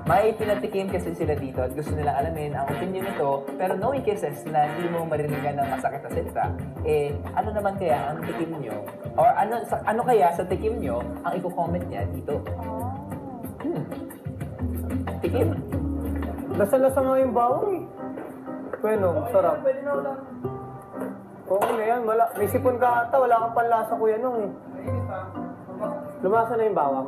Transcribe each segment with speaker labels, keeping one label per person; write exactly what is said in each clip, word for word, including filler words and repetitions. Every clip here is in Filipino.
Speaker 1: may pinatikim kasi sila dito at gusto nilang alamin ang opinion nito, pero knowing cases na hindi mo maririnig ng masakit na salita, eh, ano naman kaya ang tikim nyo? Or ano sa, ano kaya sa tikim nyo ang i-comment niya dito? Hmm. Tikim.
Speaker 2: Lasa-lasa nga yung bawang eh. Bueno, sarap. Oo na yan, wala. May sipon ka ata, wala kang panlasa kuya nung eh. Lumasa na yung bawang.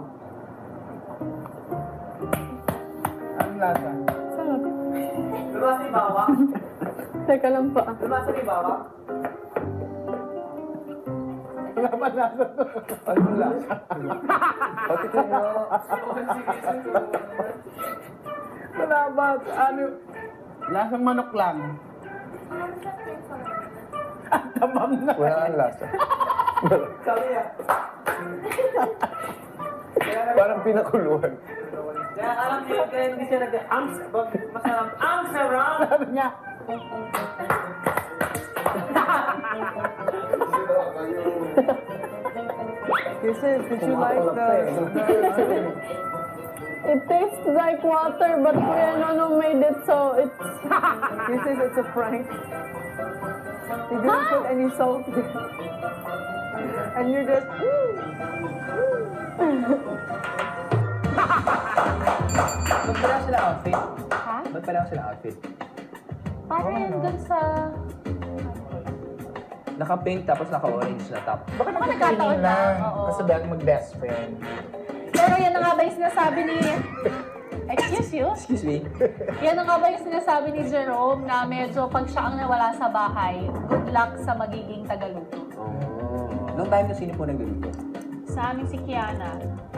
Speaker 3: Anong lasa?
Speaker 4: Sarap.
Speaker 2: Lumasa yung bawang?
Speaker 4: Teka lang pa.
Speaker 2: Lumasa na yung bawang?
Speaker 3: Wala pa lasa to.
Speaker 1: Anong lasa? O, tikim mo.
Speaker 3: Wala ba? Ano? Lasang manok lang. Ang tabang na.
Speaker 1: Wala kang lasa.
Speaker 2: Sabi niya.
Speaker 1: Parang pinakuluan.
Speaker 2: Kaya alam niyo, kaya hindi siya nag-ang masarap. Ang sarap!
Speaker 3: Sabi niya,
Speaker 2: Kisses, did you like the...
Speaker 4: It tastes like water, but Kuya Nono made it so it's...
Speaker 2: Kisses, it's a prank. He didn't put any salt in. And you're just...
Speaker 1: Ba't pala sila outfit?
Speaker 4: Ha?
Speaker 1: Ba't pala sila outfit?
Speaker 4: Parang yun dun sa...
Speaker 1: Naka-pink tapos naka-orange na top.
Speaker 3: baka
Speaker 4: Baka
Speaker 3: nagkakaroon
Speaker 4: nagkataon
Speaker 3: lang.
Speaker 4: lang, oo.
Speaker 3: Kasi bag mag-best friend.
Speaker 4: Pero yan na nga ba yung sinasabi ni... Excuse you?
Speaker 1: Excuse me?
Speaker 4: Yan na nga ba yung sinasabi ni Jerome na medyo pag siya ang nawala sa bahay, good luck sa magiging tagaluto.
Speaker 1: Oh. Noong time na sino po nagluluto?
Speaker 4: Sa amin si Kiana.